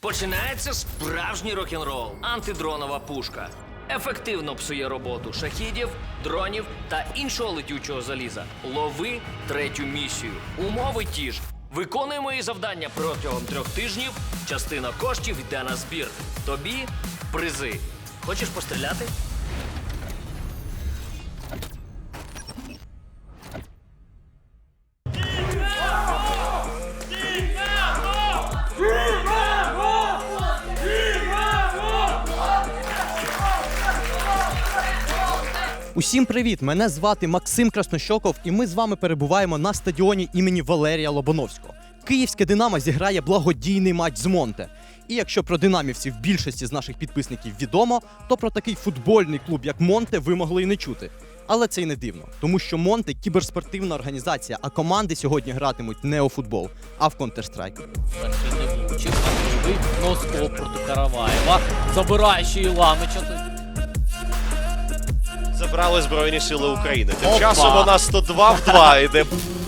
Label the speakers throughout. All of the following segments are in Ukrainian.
Speaker 1: Починається справжній рок-н-рол. Антидронова пушка. Ефективно псує роботу шахідів, дронів та іншого летючого заліза. Лови третю місію. Умови ті ж. Виконуємо її завдання протягом 3 тижнів. Частина коштів йде на збір. Тобі призи. Хочеш постріляти?
Speaker 2: Усім привіт! Мене звати Максим Краснощоков, і ми з вами перебуваємо на стадіоні імені Валерія Лобановського. Київське «Динамо» зіграє благодійний матч з «Монте». І якщо про динамівців більшості з наших підписників відомо, то про такий футбольний клуб, як «Монте», ви могли і не чути. Але це й не дивно, тому що «Монте» – кіберспортивна організація, а команди сьогодні гратимуть не у футбол, а в Counter-Strike.
Speaker 3: Перший не влучив, а другий носкоп проти Караваєва. Забирає ще і Ламича.
Speaker 4: Забрали Збройні Сили України. Тим
Speaker 3: Опа!
Speaker 4: часом у нас 102 в 2 йде.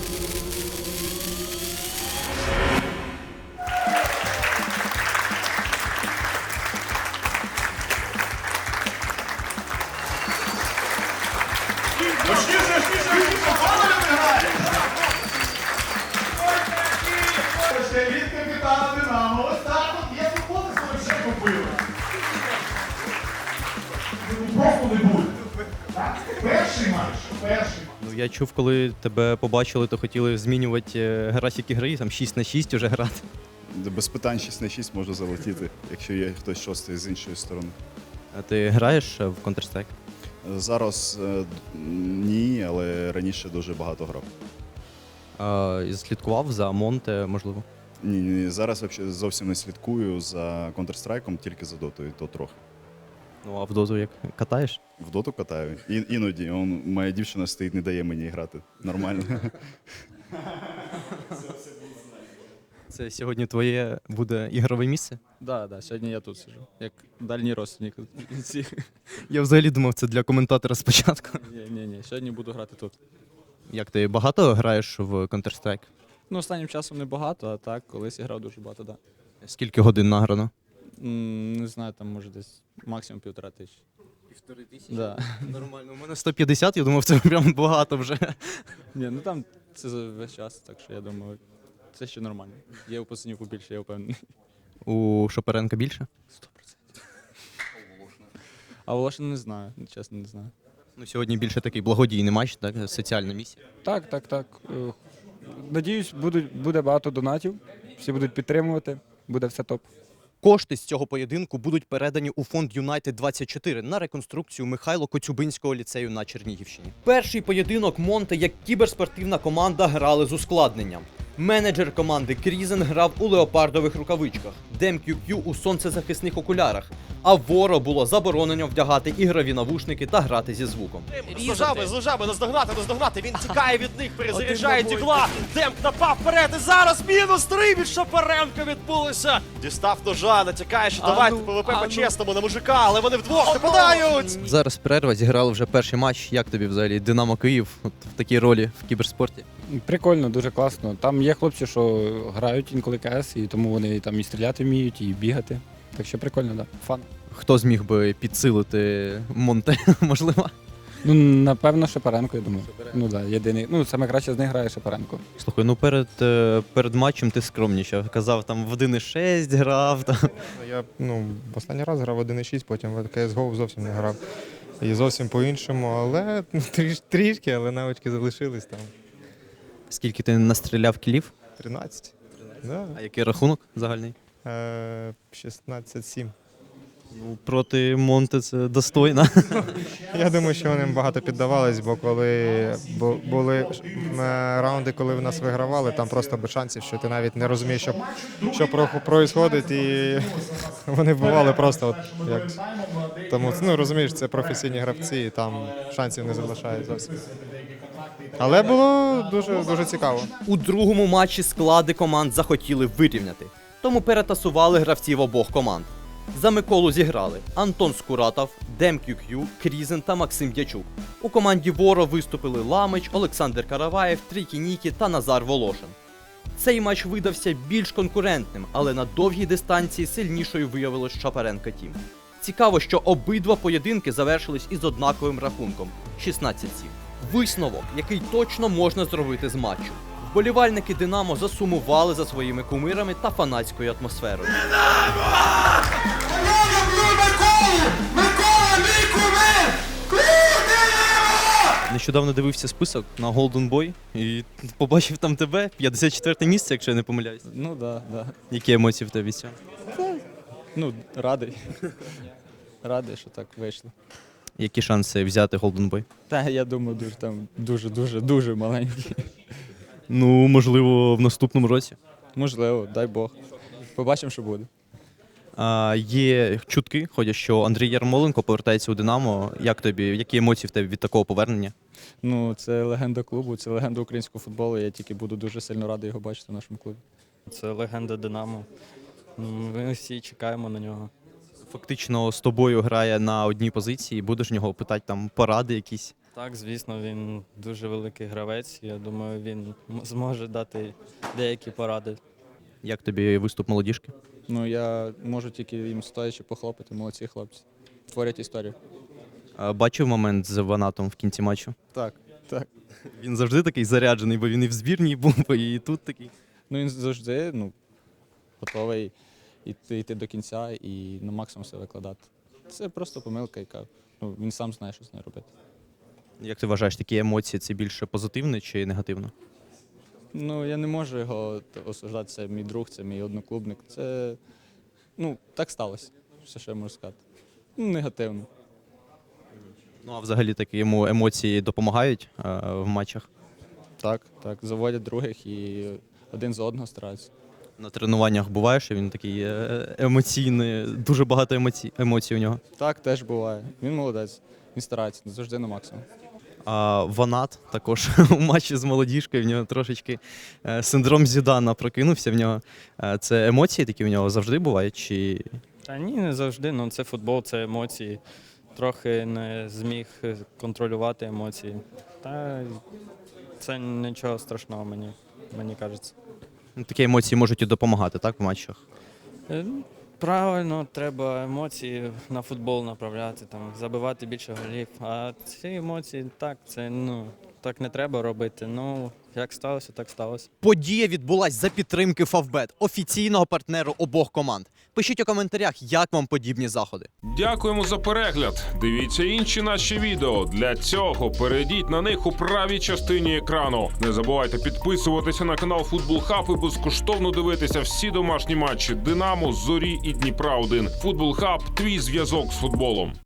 Speaker 5: Ще від капітана «Динамо». Ось так от є футболи, що вже купили. Просто не буде. Так? Перший матч.
Speaker 2: Ну, я чув, коли тебе побачили, то хотіли змінювати графік ігри, там 6-6 вже грати.
Speaker 6: Без питань 6 на 6 може залетіти, якщо є хтось шостий з іншої сторони.
Speaker 2: А ти граєш в Counter-Strike?
Speaker 6: Зараз ні, але раніше дуже багато грав.
Speaker 2: Слідкував за «Монте», можливо?
Speaker 6: Ні, зараз взагалі зовсім не слідкую за Counter-Strike, тільки за дотою, то трохи.
Speaker 2: Ну, а в доту як катаєш?
Speaker 6: В доту катаю. Іноді. Моя дівчина стоїть, не дає мені грати. Нормально.
Speaker 2: Це сьогодні твоє буде ігрове місце?
Speaker 7: Да, сьогодні я тут сиджу, як дальній родственник.
Speaker 2: Я взагалі думав, це для коментатора спочатку.
Speaker 7: Ні, сьогодні буду грати тут.
Speaker 2: Як ти багато граєш в Counter-Strike?
Speaker 7: Ну, останнім часом не багато, а так, колись я грав дуже багато, да.
Speaker 2: Скільки годин награно?
Speaker 7: Не знаю, там може десь максимум 1500.
Speaker 2: 1500?
Speaker 7: Да.
Speaker 2: Нормально. У мене 150, я думав, це прям багато вже.
Speaker 7: Ні, ну там це за весь час, так що я думаю, це ще нормально. Є у пацанів побільше, я впевнений.
Speaker 2: У Шопаренка більше?
Speaker 7: 100%. А Волошин не знаю, чесно не знаю.
Speaker 2: Ну, сьогодні більше такий благодійний матч, так? Соціальна місія.
Speaker 8: Так. Надіюсь, буде багато донатів, всі будуть підтримувати, буде все топ.
Speaker 2: Кошти з цього поєдинку будуть передані у фонд Юнайтед-24 на реконструкцію Михайло Коцюбинського ліцею на Чернігівщині. Перший поєдинок «Монте» як кіберспортивна команда грали з ускладненням. Менеджер команди Крізен грав у леопардових рукавичках, DemQQ у сонцезахисних окулярах, а Воро було заборонено вдягати ігрові навушники та грати зі звуком.
Speaker 4: З лужами, наздогнати. Він тікає від них, перезаряджає дігла. Демп напав вперед і зараз мінус 3 від Шапаренка відбулося. Дістав ножа, натякає, що давайте ПВП по-чесному на мужика, але вони вдвох нападають.
Speaker 2: Зараз перерва, зіграли вже перший матч. Як тобі взагалі «Динамо Київ» от в такій ролі в кіберспорті?
Speaker 8: Прикольно, дуже класно. Там є хлопці, що грають інколи КС, і тому вони там і стріляти вміють, і бігати. Так що прикольно, да. Фан.
Speaker 2: Хто зміг би підсилити «Монте», можливо?
Speaker 8: Ну, напевно, Шапаренко, я думаю. Ну так, єдиний. Ну, саме краще з них грає Шапаренко.
Speaker 2: Слухай, ну перед матчем ти скромнішав. Казав, там в 1.6 грав. Там.
Speaker 9: Я в останній раз грав 1.6, потім в CSGO зовсім не грав. І зовсім по-іншому, але трішки, але навички залишились там.
Speaker 2: Скільки ти настріляв кілів?
Speaker 9: 13. Да.
Speaker 2: А який рахунок загальний?
Speaker 9: 16-7.
Speaker 2: Ну, проти «Монте» це достойно.
Speaker 9: Я думаю, що вони багато піддавались, бо коли були раунди, коли в нас вигравали, там просто без шансів, що ти навіть не розумієш, що происходить, і вони вбивали просто от як. Тому, розумієш, це професійні гравці, і там шансів не залишають зовсім. Але було дуже цікаво.
Speaker 2: У другому матчі склади команд захотіли вирівняти, тому перетасували гравців обох команд. За Миколу зіграли Антон Скуратов, DemQQ, Крізен та Максим Дячук. У команді Воро виступили Ламич, Олександр Караваєв, Трікі Нікі та Назар Волошин. Цей матч видався більш конкурентним, але на довгій дистанції сильнішою виявилось Шапаренка Тім. Цікаво, що обидва поєдинки завершились із однаковим рахунком – 16-7. Висновок, який точно можна зробити з матчу. Вболівальники «Динамо» засумували за своїми кумирами та фанатською атмосферою. Нещодавно дивився список на Golden Boy і побачив там тебе, 54 місце, якщо я не помиляюсь.
Speaker 7: Ну да, да.
Speaker 2: Які емоції в тебе від цього?
Speaker 7: Ну, радий. Радий, що так вийшло.
Speaker 2: Які шанси взяти Golden Boy?
Speaker 7: Та я думаю, дуже маленький.
Speaker 2: Ну, можливо, в наступному році.
Speaker 7: Можливо, дай Бог. Побачимо, що буде.
Speaker 2: Є чутки, ходять, що Андрій Ярмоленко повертається у «Динамо». Як тобі, які емоції в тебе від такого повернення?
Speaker 7: Ну, це легенда клубу, це легенда українського футболу. Я тільки буду дуже сильно радий його бачити в нашому клубі.
Speaker 10: Це легенда «Динамо». Ми всі чекаємо на нього.
Speaker 2: Фактично з тобою грає на одній позиції, будеш в нього питати там поради якісь?
Speaker 10: Так, звісно, він дуже великий гравець. Я думаю, він зможе дати деякі поради.
Speaker 2: Як тобі виступ молодіжки?
Speaker 7: Ну, я можу тільки їм стоячи похлопати, молодці хлопці. Творять історію.
Speaker 2: Бачив момент з Ванатом в кінці матчу?
Speaker 7: Так.
Speaker 2: Він завжди такий заряджений, бо він і в збірній був, і тут такий.
Speaker 7: Ну, він завжди готовий йти до кінця і на максимум все викладати. Це просто помилка, яка він сам знає, що з нею робити.
Speaker 2: Як ти вважаєш, такі емоції – це більше позитивно чи негативно?
Speaker 7: Ну, я не можу його осуждати, це мій друг, це мій одноклубник. Це, так сталося, все, що я можу сказати. Негативно.
Speaker 2: Ну, а взагалі такі йому емоції допомагають в матчах?
Speaker 7: Так, заводять других і один за одного стараються.
Speaker 2: На тренуваннях буває, що він такий емоційний, дуже багато емоцій у нього?
Speaker 7: Так, теж буває. Він молодець, він старається, завжди на максимум.
Speaker 2: А Ванат також у матчі з молодіжкою, в нього трошечки синдром Зідана прокинувся в нього. Це емоції такі в нього завжди бувають? Чи...
Speaker 10: Та ні, не завжди. Це футбол, це емоції. Трохи не зміг контролювати емоції. Та це нічого страшного, мені кажеться.
Speaker 2: Такі емоції можуть і допомагати, так, в матчах?
Speaker 10: Правильно, треба емоції на футбол направляти, забивати більше голів. А ці емоції, так не треба робити. Як сталося, так сталося.
Speaker 2: Подія відбулась за підтримки Фавбет, офіційного партнеру обох команд. Пишіть у коментарях, як вам подібні заходи.
Speaker 11: Дякуємо за перегляд. Дивіться інші наші відео. Для цього перейдіть на них у правій частині екрану. Не забувайте підписуватися на канал Футбол Хаб і безкоштовно дивитися всі домашні матчі Динамо, Зорі і Дніпра 1. Футбол Хаб – твій зв'язок з футболом.